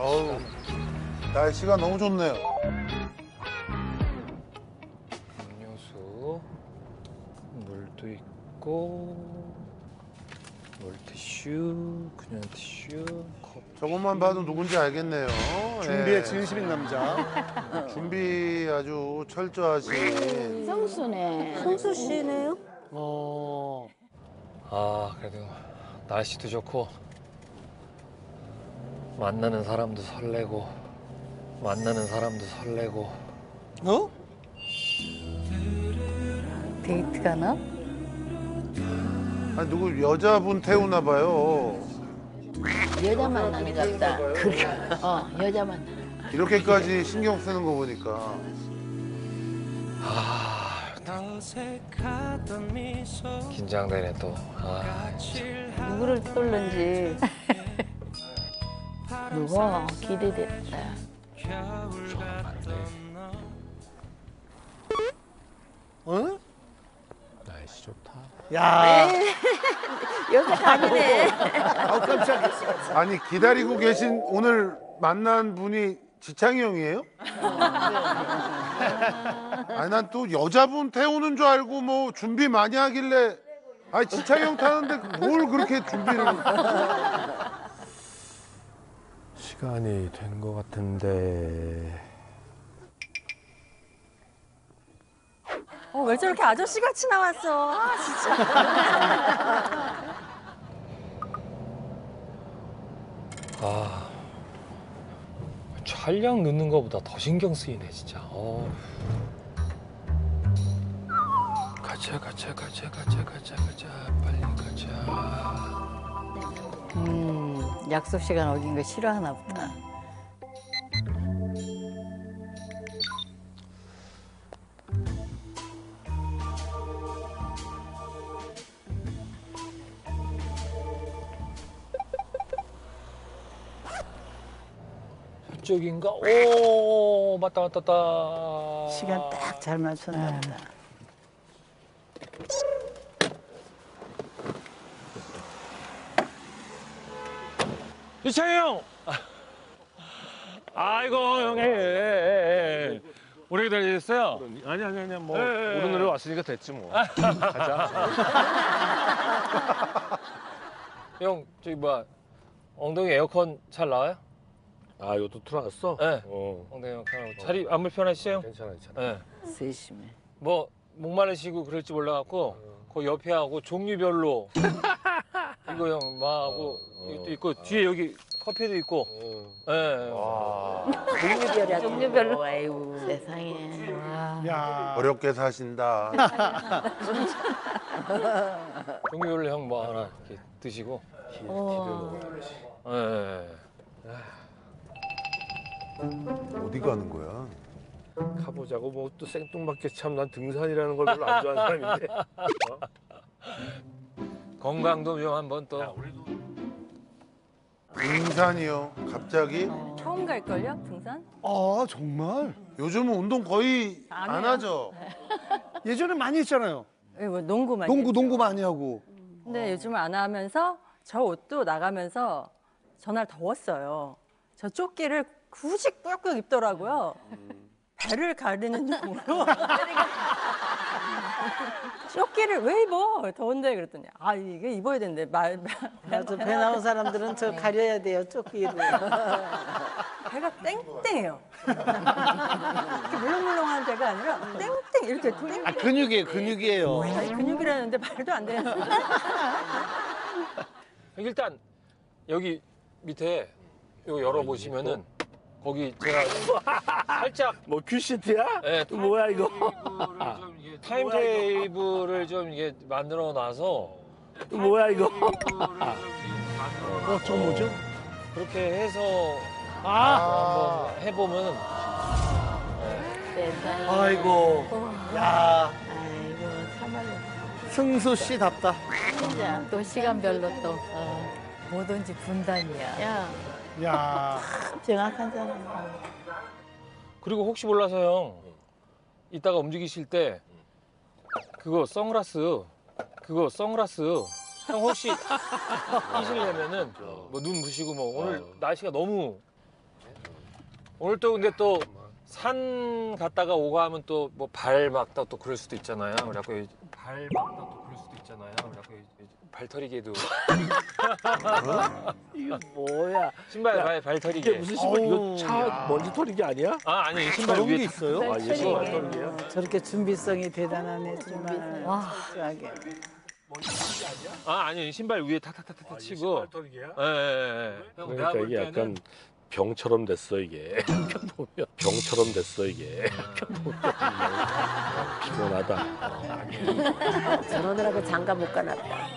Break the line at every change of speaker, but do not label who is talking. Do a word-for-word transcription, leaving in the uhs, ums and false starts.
어우, 날씨가 너무 좋네요.
음료수, 물도 있고, 물티슈, 그냥 티슈, 컵.
저것만 봐도 누군지 알겠네요.
준비에
예.
진심인 남자.
준비 아주 철저하신.
성수네.
성수 씨네요?
어.
아, 그래도 날씨도 좋고, 만나는 사람도 설레고, 만나는 사람도 설레고.
어?
데이트 가나?
아니, 누구 여자분 태우나 봐요.
여자 만나는 것 같다. 어, 여자 만나는.
이렇게까지 신경 쓰는 거 보니까.
아, 긴장되네 또. 아,
누구를 쏠는지. 누가 기대됐다.
어?
날씨 좋다.
야.
여자 아니네.
아우 깜짝이야.
아니, 기다리고 계신 오늘 만난 분이 지창이 형이에요? 아니, 난 또 여자분 태우는 줄 알고 뭐 준비 많이 하길래. 아니, 지창이 형 타는데 뭘 그렇게 준비를.
시간이 된 것 같은데.
어, 왜 저렇게 아저씨 같이 나왔어? 아, 진짜.
아, 촬영 넣는 거보다 더 신경 쓰이네 진짜. 어. 가자 가자 가자 가자 가자 가자 빨리 가자.
음, 약속 시간 어긴 거 싫어하나 보다.
저쪽인가? 오, 맞다 맞다 맞다.
시간 딱 잘 맞췄나 보다.
이창희 형. 아이고 형님. 오래 기다리셨어요?
아니 아니 아니 뭐
예, 예,
오른 노래 왔으니까 됐지 뭐. 가자.
형 저기 뭐야 엉덩이 에어컨 잘 나와요?
아 이것도 틀어놨어?
네.
어.
엉덩이 에어컨 자리 안 불편하시죠?
괜찮아 괜찮아.
네.
세심해.
뭐 목마르시고 그럴지 몰라갖고 그 옆에 하고 종류별로 이거 형 마하고 이것도 있고 뒤에 여기 커피도 있고. 예.
와.
종류별이야.
종류별로. 아이고, 세상에. 와.
야.
어렵게 사신다.
종류별로 형 뭐 하나 이렇게 드시고.
어.
예, 예.
어디 가는 거야?
가보자고 뭐 또 생뚱맞게 참 난 등산이라는 걸 별로 안 좋아하는 사람인데. 어?
건강도 좀 한번 또.
등산이요. 갑자기?
처음 갈걸요? 등산?
아 정말?
요즘은 운동 거의
안
안
해요.
하죠.
예전에 많이 했잖아요.
예, 뭐 농구 많이
농구
했죠.
농구 많이 하고.
근데 요즘은 안 하면서 저 옷도 나가면서 전날 더웠어요. 저 조끼를 굳이 꾹꾹 입더라고요. 배를 가리는 용으로. 조끼를 왜 입어? 더운데 그랬더니 아 이게 입어야 된대. 말,
맞아, 배 나온 사람들은 저 가려야 돼요, 조끼를.
배가 땡땡해요. 이렇게 물렁물렁한 배가 아니라 땡땡 이렇게 땡.
아 근육이에요 근육이에요.
아니, 근육이라는데 말도 안 되는.
일단 여기 밑에 이거 열어보시면은 거기 제가 살짝
뭐 큐시트야?
예,
뭐야 이거?
타임테이블을 좀 이게 타임테이블을 좀 이게 만들어 놔서
뭐야 이거?
어, 저 뭐죠?
그렇게 해서
아.
한번 해보면
세상에.
아이고. 야.
아이고, 참말로.
승수 씨답다.
진짜. 또 시간별로 또. 어, 뭐든지 분단이야. 야,
야.
정확한 사람.
그리고 혹시 몰라서 형 이따가 움직이실 때 그거 선글라스 그거 선글라스 형 혹시 끼시려면은 뭐 눈 부시고 뭐 오늘 날씨가 너무 오늘 또 근데 또 산 갔다가 오고 하면 또 뭐 발 막다 또 그럴 수도 있잖아요. 그래갖고 발 막다 또 그럴 수도 있잖아요. 그래갖고 발털이개도
이거 뭐야?
신발
야,
발
이게
발털이개.
무슨 신발? 이거
어우,
차
야.
먼지 털이기 아니야?
아 아니 신발
저런 게
위에
있어요?
아, 이게 신발 털이야?
저렇게 준비성이 대단하네 정말.
와.
철저하게.
아 아니 신발 위에 탁탁탁탁
아, 이게
치고.
신발 털이야?
예, 예, 예. 형, 내가
그러니까
볼
이게
때는
약간 병처럼 됐어 이게. 보면 병처럼 됐어 이게. 피곤하다.
저러느라고 장가 못 가놨다.